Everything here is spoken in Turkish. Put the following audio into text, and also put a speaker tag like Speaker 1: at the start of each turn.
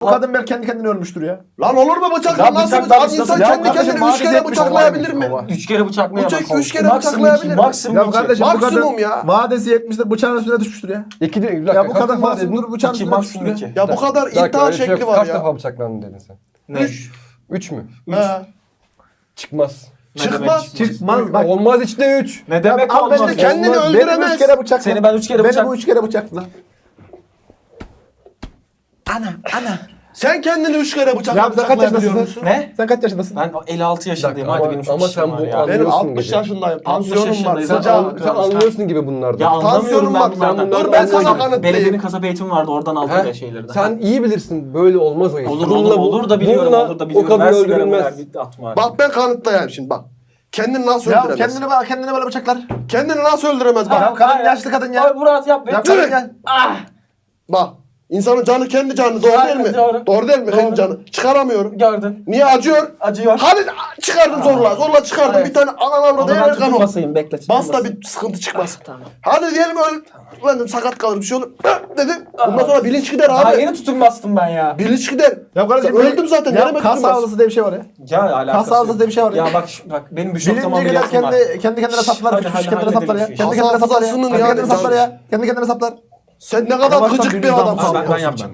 Speaker 1: kadın belki kendi kendine ölmüştür ya.
Speaker 2: Lan olur mu bıçak?
Speaker 3: Ya
Speaker 2: Nasıl
Speaker 3: bıçaklar
Speaker 2: bıçak? İnsan
Speaker 3: ya
Speaker 2: kendi
Speaker 1: kardeşim,
Speaker 2: kendini 3
Speaker 1: madem
Speaker 2: kere
Speaker 1: yetmiş
Speaker 2: bıçaklayabilir mi?
Speaker 1: kova.
Speaker 3: 3 kere bıçaklayamaz.
Speaker 2: Bıçak 3 kere
Speaker 3: Maksimum
Speaker 2: bıçaklayabilir
Speaker 3: 2.
Speaker 2: mi?
Speaker 3: Maksimum
Speaker 1: Ya
Speaker 3: 2.
Speaker 1: kardeşim bu
Speaker 2: Maksimum
Speaker 1: kadın
Speaker 2: ya.
Speaker 1: vadesi 70'de bıçağın üstüne düşmüştür ya.
Speaker 4: İki değil.
Speaker 1: Ya bu kadın masumdur bıçağın
Speaker 3: İki,
Speaker 1: üstüne düşmüştür
Speaker 3: maksimum
Speaker 1: ya.
Speaker 3: 2.
Speaker 2: Ya bu kadar iddia şekli var
Speaker 4: Kaç
Speaker 2: ya.
Speaker 4: defa bıçaklandın dedin sen?
Speaker 3: Ne?
Speaker 4: 3 mü?
Speaker 2: He.
Speaker 4: Çıkmaz.
Speaker 2: Çıkmaz.
Speaker 1: Çıkmaz bak.
Speaker 4: Olmaz içte 3.
Speaker 3: Ne demek
Speaker 1: Abi
Speaker 3: olmaz?
Speaker 2: işte kendini
Speaker 1: Olmaz.
Speaker 2: öldüremez.
Speaker 1: Beni 3 kere bıçakla.
Speaker 3: Seni ben 3 kere
Speaker 1: Beni
Speaker 3: bıçak...
Speaker 1: bu 3 kere bıçakla.
Speaker 3: Ana.
Speaker 2: Sen kendini 3 kere
Speaker 1: Ya sen kaç
Speaker 2: bıçaklayabiliyor
Speaker 1: yaşındasın?
Speaker 2: musun?
Speaker 3: Ne?
Speaker 1: Sen kaç yaşındasın?
Speaker 3: Ben 56 yaşındayım. Hadi benim çok
Speaker 4: ama
Speaker 3: işim
Speaker 4: sen
Speaker 3: var
Speaker 4: bu
Speaker 3: ya.
Speaker 4: an-
Speaker 2: Benim
Speaker 4: Anlıyorsun
Speaker 2: 60
Speaker 4: gibi.
Speaker 2: yaşındayım.
Speaker 3: 60
Speaker 2: Tansiyonum var.
Speaker 3: yaşındayız.
Speaker 2: Sıcağım.
Speaker 4: Sen anlıyorsun gibi bunlardan.
Speaker 3: Ya anlamıyorum ben
Speaker 2: Tansiyonum
Speaker 3: bunlardan.
Speaker 2: var.
Speaker 4: Dur,
Speaker 2: ben
Speaker 4: ben
Speaker 2: sana
Speaker 4: sana
Speaker 2: kanıtlayayım.
Speaker 3: Belediyenin kasap eğitimi vardı. Oradan aldım
Speaker 4: He?
Speaker 3: ya şeylerden.
Speaker 4: Sen iyi bilirsin böyle olmaz o iş.
Speaker 3: Olur
Speaker 4: Bununla bu-
Speaker 3: olur da biliyorum.
Speaker 4: bununla
Speaker 3: Olur da biliyorum.
Speaker 4: O kadın
Speaker 3: Ver sigaramı,
Speaker 4: öldürülmez.
Speaker 3: ver, bitti, atma.
Speaker 2: Bak ben kanıtlayayım şimdi bak. Kendini nasıl
Speaker 1: Ya
Speaker 2: öldüremez?
Speaker 1: kendini böyle bıçaklar.
Speaker 2: Kendini nasıl öldüremez bak.
Speaker 1: Ya kadın yaşlı kadın ya.
Speaker 3: Ay Murat yap.
Speaker 1: Ya
Speaker 3: Dur.
Speaker 1: kadın ya.
Speaker 2: Bak. İnsanın canı kendi canı doğru
Speaker 3: Aynen,
Speaker 2: değil mi?
Speaker 3: doğru.
Speaker 2: Doğru değil mi?
Speaker 3: Doğru.
Speaker 2: Kendi canı. Çıkaramıyorum.
Speaker 3: Gördün.
Speaker 2: Niye acıyor?
Speaker 3: Acıyor.
Speaker 2: Hadi çıkardım zorla. Zorla çıkardım.
Speaker 3: Evet.
Speaker 2: Bir tane anan avradı
Speaker 3: Onu ben
Speaker 2: yer kan
Speaker 3: tutup
Speaker 2: o.
Speaker 3: basayım. Bekle. tutup
Speaker 2: Bas da
Speaker 3: basayım.
Speaker 2: bir sıkıntı çıkmaz.
Speaker 3: Tamam.
Speaker 2: Hadi diyelim öyle sakat kalır bir şey olur. Dedim. Bundan sonra bilinç gider
Speaker 3: Daha
Speaker 2: abi.
Speaker 3: yeni tutum bastım ben ya.
Speaker 2: Bilinç gider.
Speaker 1: Ya kardeşim
Speaker 2: Öldüm zaten.
Speaker 1: Ya
Speaker 2: Nereme
Speaker 1: kas
Speaker 2: tutulmaz?
Speaker 1: hafızası diye bir şey var ya.
Speaker 3: Ya alakası
Speaker 1: Kas hafızası diye bir şey var ya.
Speaker 3: Ya bak bak benim bir şok
Speaker 1: Bilince
Speaker 3: tamam
Speaker 1: gider
Speaker 3: biliyorsun var.
Speaker 1: kendi kendine saplar.
Speaker 3: Hadi,
Speaker 1: Kendi
Speaker 3: hadi,
Speaker 1: kendine saplar ya.
Speaker 3: halledelim şu
Speaker 1: Kendi
Speaker 2: işi.
Speaker 1: kendine saplar ya.
Speaker 2: Hafızasının
Speaker 1: Kendi
Speaker 2: yani
Speaker 1: kendine saplar ya. Kendi kendine saplar.
Speaker 2: Sen ne kadar
Speaker 1: Yavaştan
Speaker 2: gıcık
Speaker 1: bir
Speaker 2: bir
Speaker 1: yüzden
Speaker 2: adamsın.
Speaker 1: kalk.
Speaker 3: Ben yapacağım.